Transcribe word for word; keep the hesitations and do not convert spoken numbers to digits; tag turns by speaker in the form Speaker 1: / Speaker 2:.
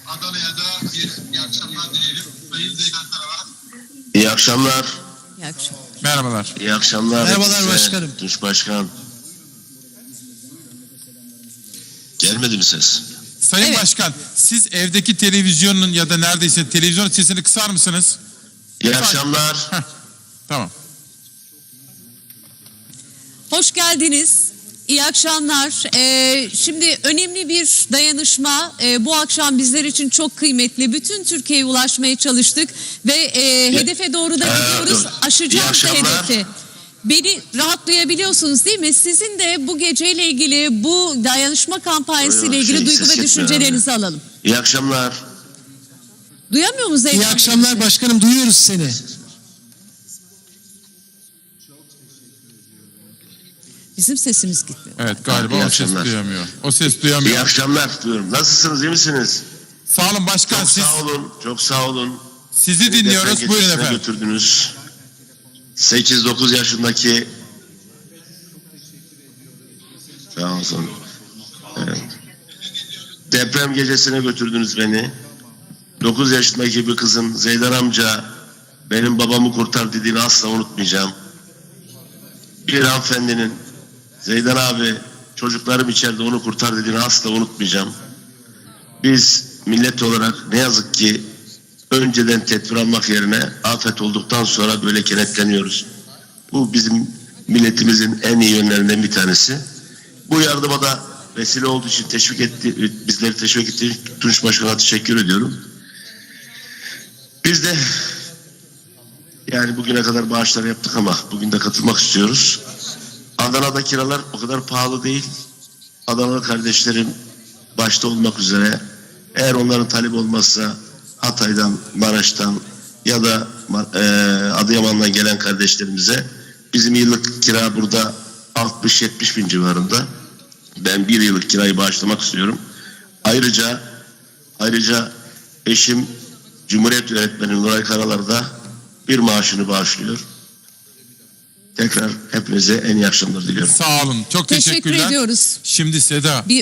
Speaker 1: Adana'ya da bir iyi akşamlar dileyelim. Sayın Zeydan Karalar.
Speaker 2: İyi akşamlar.
Speaker 3: İyi akşamlar.
Speaker 4: Merhabalar.
Speaker 2: İyi akşamlar.
Speaker 5: Merhabalar
Speaker 2: hepinize.
Speaker 5: başkanım.
Speaker 2: Tunç Başkan. Gelmedi mi ses?
Speaker 4: Sayın
Speaker 3: Evet.
Speaker 4: Başkan, siz evdeki televizyonun ya da neredeyse televizyonun sesini kısar mısınız?
Speaker 2: İyi akşamlar.
Speaker 4: Heh, tamam.
Speaker 3: Hoş geldiniz. İyi akşamlar. Ee, şimdi önemli bir dayanışma e, bu akşam bizler için çok kıymetli. Bütün Türkiye'ye ulaşmaya çalıştık ve e, hedefe doğru da
Speaker 2: Ee,
Speaker 3: gidiyoruz.
Speaker 2: dur.
Speaker 3: Aşacağız
Speaker 2: İyi
Speaker 3: da
Speaker 2: akşamlar.
Speaker 3: hedefi. Beni rahat duyabiliyorsunuz değil mi? Sizin de bu geceyle ilgili, bu dayanışma kampanyası ile
Speaker 2: Yok,
Speaker 3: ilgili
Speaker 2: şey,
Speaker 3: duygu
Speaker 2: ses
Speaker 3: ve
Speaker 2: yetmiyor
Speaker 3: düşüncelerinizi alalım.
Speaker 2: İyi akşamlar.
Speaker 3: Duyamıyor musunuz?
Speaker 5: İyi akşamlar başkanım, duyuyoruz seni.
Speaker 3: Bizim sesimiz gitmiyor.
Speaker 4: Evet, galiba
Speaker 2: İyi
Speaker 4: o ses
Speaker 2: akşamlar.
Speaker 4: duyamıyor. O ses
Speaker 2: İyi
Speaker 4: duyamıyor.
Speaker 2: akşamlar diyorum. Nasılsınız? İyi misiniz?
Speaker 4: Sağ olun başkan,
Speaker 2: Çok
Speaker 4: siz
Speaker 2: sağ olun. Çok sağ olun.
Speaker 4: sizi
Speaker 2: Beni
Speaker 4: dinliyoruz.
Speaker 2: deprem
Speaker 4: Buyurun
Speaker 2: gecesine
Speaker 4: efendim.
Speaker 2: götürdünüz. sekiz dokuz yaşındaki sağ olsun. Evet. Deprem gecesine götürdünüz beni. dokuz yaşındaki bir kızın Zeydan amca benim babamı kurtar dediğini asla unutmayacağım. Bir hanımefendinin Zeydan abi çocuklarım içeride onu kurtar dediğini asla unutmayacağım. Biz millet olarak ne yazık ki önceden tedbir almak yerine afet olduktan sonra böyle kenetleniyoruz. Bu bizim milletimizin en iyi yönlerinden bir tanesi. Bu yardıma da vesile olduğu için teşvik etti, bizleri teşvik ettiği için Tunç Başkan'a teşekkür ediyorum. Biz de yani bugüne kadar bağışlar yaptık ama bugün de katılmak istiyoruz. Adana'da kiralar o kadar pahalı değil. Adanalı kardeşlerim başta olmak üzere eğer onların talep olmazsa Hatay'dan, Maraş'tan ya da e, Adıyaman'dan gelen kardeşlerimize bizim yıllık kira burada altmış yetmiş bin civarında. Ben bir yıllık kirayı bağışlamak istiyorum. Ayrıca ayrıca eşim Cumhuriyet Öğretmeni Nuray Karalar da bir maaşını bağışlıyor. Tekrar hepinize en iyi akşamlar diliyorum.
Speaker 4: Sağ olun. Çok
Speaker 3: Teşekkür
Speaker 4: teşekkürler.
Speaker 3: ediyoruz.
Speaker 4: Şimdi Seda,
Speaker 3: Bir